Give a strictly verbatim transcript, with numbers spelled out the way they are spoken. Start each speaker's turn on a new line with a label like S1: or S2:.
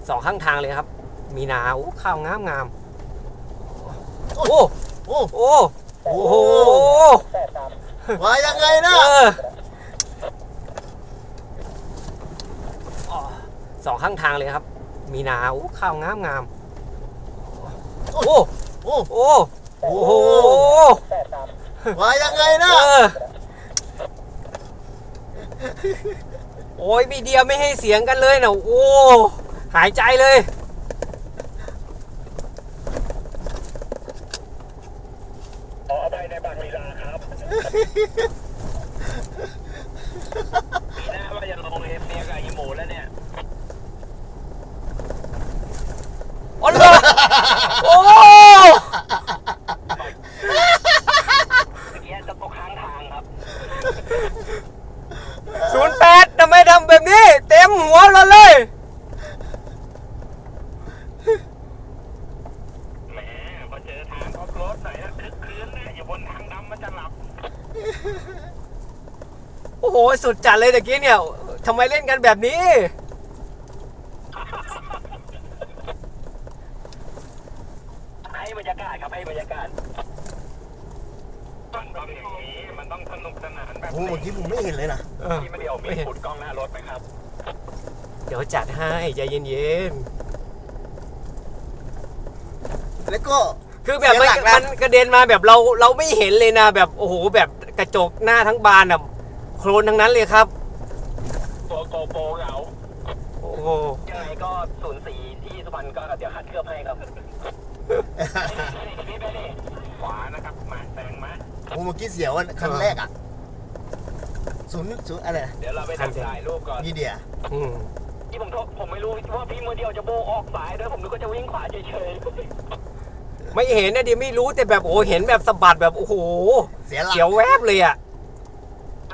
S1: สองข้างทางเลยครับมีนาโอ้ข้าวงามงามโอ้โอ้โอ้โอ้โห
S2: ว่ายังไงนะ
S1: สองข้างทางเลยครับมีนาโอ้ข้าวงามงามโอ้โอ้โอ้โอ้โห
S2: ว่ายังไงนะ
S1: โอ้ยมีเดียวไม่ให้เสียงกันเลยนะโอ้หายใจเลย
S3: ขอไปในบางลีลาครับปีหน้าว่าจะลงเอฟเนี่ยกับอีโมแล้วเนี่ย
S1: อ๋อเหรอโอ้
S3: เมื่อกี้จะตกข้างทางครับ
S1: ศูนย์แปดทำไมทำแบบนี้เต็มหัวเราเลย
S3: แหมพอเจอทางออฟโรดหน่อยนะคึกคืนนะอยู่บนทางดำมันจะหลับ
S1: โอ้โหสุดจัดเลยตะกี้เนี่ยทำไมเล่นกันแบบนี้
S3: ให้บรรยากาศครับให้บรรยากาศมันต้องอย่างนี้มันต้องสนุกสนานแบบ
S2: โอ้เมื่อกี้ผมไม่เห็นเลยนะ
S3: ที่ไม่ได้เอามีดขุดกล้องหน้ารถไหมครับ
S1: เดี๋ยวจัดให้ใจเย็น
S2: ๆแล้วก็
S1: คือแบบมันมันกระเด็นมาแบบเราเราไม่เห็นเลยนะแบบโอ้โหแบบกระจกหน้าทั้งบานอ่ะโคลนทั้งนั้นเลยครับ
S3: ตัวโกโปรเหงา
S1: โอ้โห
S3: ยังไงก็ศูนย์สี่ที่สุพรรณก็เดี๋ยวคัดเคลือบให้ครับขวานะครับมาแซงมา
S2: โอ้เมื่อกี้เสียวคันแรกอ่ะศูนย์ศูนย์อะไร
S3: เดี๋ยวเราไปถ่ายรูปก่อน
S2: นี่เดีย
S3: ที่ผมผมไม่รู้ว่าพี่มือเดียวจะโบออกสายด้วยผมนึกว่าจะวิ่งขวาเฉยๆ
S1: ไม่เห็นนะดิไม่รู้แต่แบบโอ้เห็นแบบสะบัดแบบโอ้โห
S2: เสียหลัก
S1: เสียวแวบเลยอ่ะ